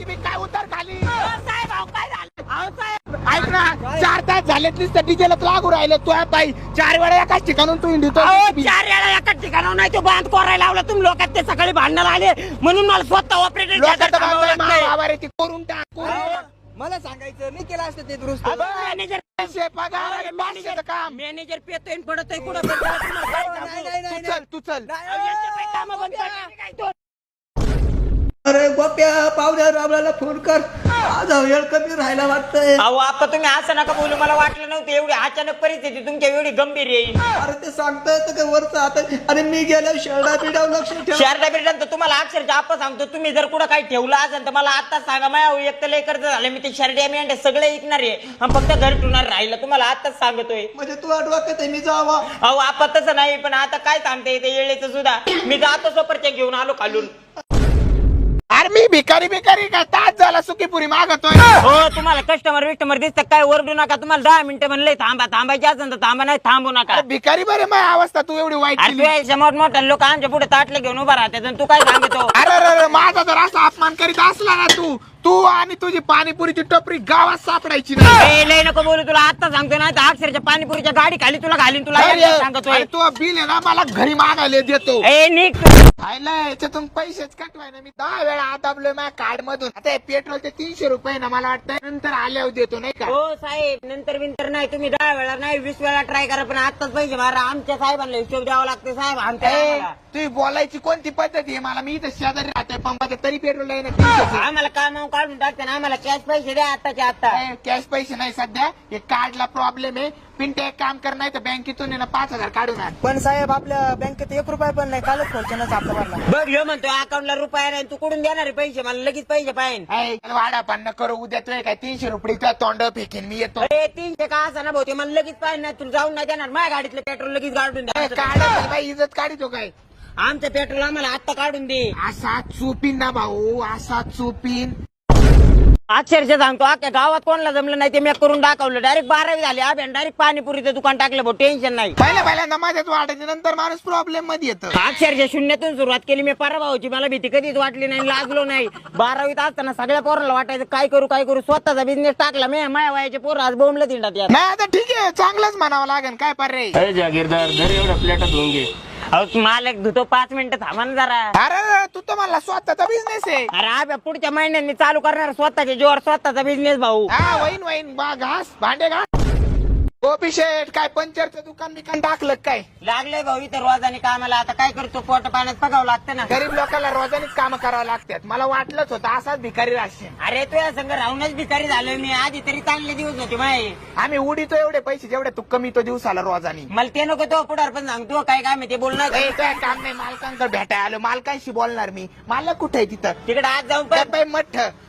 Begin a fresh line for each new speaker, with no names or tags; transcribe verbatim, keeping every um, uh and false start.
पाण्याची मी काय उतर खाली
साहेब अहो काय झालं अहो साहेब
ऐक ना चार तास झालेत नुसतं डिझेलच लागू राहिलं तू बाई चार वेळा एकाच ठिकाणून तू इंडितो
अहो चार वेळा एकाच ठिकाणावर नाही तो बांध कोरायला लावला तुम्ही लोकात ते सकाळी भांडणाला आले म्हणून मला स्वतः ऑपरेटर
करून टाक
मला सांगायचं मी केलं असतं ते दुरुस्त
मॅनेजर
पगार
मॅनेजर
काम
मॅनेजर पेतोय पडतोय कुठं पण त्याला तुम्हाला काय सांगू?
नाही, नाही,
तू चल तू चल
अहो, यांचे काही कामं बंद पडले काय तो?
अरे गोप्या पावड्या राबळाला फोन कर माझा वेळ कमी राहायला वाटतंय
अहो आता तुम्ही असं नका बोलू मला वाटलं नव्हतं एवढी अचानक परिस्थिती तुमच्या एवढी गंभीर येईल
अरे ते सांगता येतं का वरचं आता अरे मी गेल्या शेरडा बिडाव लक्ष ठेव
शहरात बिरडात तुम्हाला अक्षरशः आपण सांगतो तुम्ही जर कुठं काही ठेवलं असेल तर मला आताच सांगा माझ्या एक तर लय कर्ज झालं मी ते शर्ट्या मेंढ्या सगळे ऐकणार आहे आणि फक्त घर ठेवणार राहिलं तुम्हाला आताच सांगतोय
म्हणजे तू डोक्यात आहे मी जावा
अहो आपण तसं नाही पण आता काय सांगता येते येळेचं सुद्धा मी जातो सोपरच्या घेऊन आलो खालून
अरे मी भिकारी भिकारी का तास झाला सुकीपुरी मागतोय
हो तुम्हाला कस्टमर विस्टमर दिसतं काय ओरडू नका तुम्हाला दहा मिनिटं म्हणले थांबा थांबायचे असेल तर थांबा नाही थांबू नका
अरे भिकारी बरे माझी अवस्था तू एवढी वाईट
अरे
केली.
तू मोठ मोठ्या लोक आमच्या पुढे ताटले घेऊन उभा राहतात आणि तू काय सांगतो
अरे अरे अरे, माझा जर असा अपमान करीत असला ना तू तू आणि तुझी पाणीपुरीची टपरी गावात सापडायची नाही
ए, लय नको बोलू तुला आता सांगतो ना तर अक्षरच्या पाणीपुरीच्या गाडी खाली तुला घालीन तुला
अरे,
एकदा सांगतोय
अरे, तू बिल आहे ना मला घरी मागायला देतो
ए निक
खायला याच्यातून पैसेच कटवाय ना मी दहा वेळा आदाबलोय माझ्या कार्ड मधून आता हे पेट्रोलचे तीनशे रुपये ना मला वाटतं नंतर आल्यावर देतो नाही का
हो साहेब नंतर विंतर नाही तुम्ही दहा वेळा नाही वीस वेळा ट्राय करा पण आताच पैसे मारा आमच्या साहेबांना हिशोब द्यावा लागते साहेब आमच्या
ए,
आम्हाला.
तुम्ही बोलायची कोणती पद्धती आहे मला मी इथं शेजारी राहतोय पंपाच्या तरी पेट्रोल आहे ना तीनशेचं.
आम्हाला कामावर काढून टाकते ना आम्हाला कॅश पैसे द्या आताच्या आता
ए, कॅश पैसे नाही सध्या हे कार्डला प्रॉब्लेम आहे पिंटे एक काम कर नाही तर बँकेतून आहे ना पाच हजार काढून आण
पण साहेब आपल्या बँकेत एक रुपया पण नाही कालच खोलच्यानंच आपला भरला
बघ ह्यो म्हणतो अकाउंटला रुपया नाही तू कुठून देणार आहे पैसे मला लगेच पैसे पाहिजे
ए, चल वाडा पण करू उद्या तुला काय तीनशे रुपये तुझ्या तोंड फेकेन मी येतो
अरे तीनशे का असं ना भाऊ ते मला लगेच पाहिजे नाही तुला जाऊन नाही देणार माझ्या गाडीतलं पेट्रोल लगेच काढून
ए,
द्या
काढ बाई इज्जत काढितो काय
आमचं पेट्रोल आम्हाला आत्ता काढून दे
असा चुपीन ना भाऊ असा चुपीन
अक्षरशः सांगतो अख्ख्या गावात कोणाला जमलं नाही ते मी करून दाखवलं डायरेक्ट बारावी झाली अभ्यान डायरेक्ट पाणीपुरीचं दुकान टाकलं भाऊ टेन्शन नाही
पहिल्या पहिल्यांदा माझ्याच वाटायचे नंतर माणूस प्रॉब्लेम मध्ये येतं
अक्षरशः शून्यातून सुरुवात केली मी पराभावाची मला भीती कधीच वाटली नाही लाजलो नाही बारावीत असताना सगळ्या पोराला वाटायचं काय करू काय करू स्वतःचा बिझनेस टाकला मी माया वयाचे पोरं आज बोंबलं तिंडात यार
नाही आता ठीक आहे चांगलंच म्हणावं लागेल काय पर्याय
अरे जागीरदार जर एवढ्या प्लेटात होऊन घे अहो मालक धुतो पाच मिनिटं थांबा ना जरा
अरे तू तर मला स्वतःचा बिझनेस आहे
अरे आब्या पुढच्या महिन्यात मी चालू करणार स्वतःच्या जोर स्वतःचा बिझनेस भाऊ
हा वहीन वहीन बा घास भांडे घास गोपी शेठ काय पंचरचं दुकान बिकान टाकलं काय
लागलंय भाऊ इथं रोजाने कामाला आता काय करतो पोट पाण्यात पगावं लागतं ना
गरीब लोकांना रोजानीच काम करावं लागतात मला वाटलंच होतं असाच भिकारी राहशील
अरे तू या संघ राहूनच भिकारी झालोय मी आधी तरी चांगले दिवस होते माय
आम्ही उडीतो एवढे पैसे जेवढे तू कमी तो दिवसाला रोजानी
मला ते नको तो पुढार पण सांगतो काय काय मी ते बोलणार
ए, काय काम नाही मालकांकडे भेटायला आलो मालकांशी बोलणार मी मालक कुठे आहे तिथं
तिकडे आज जाऊन
त्या
पण
बाई मठ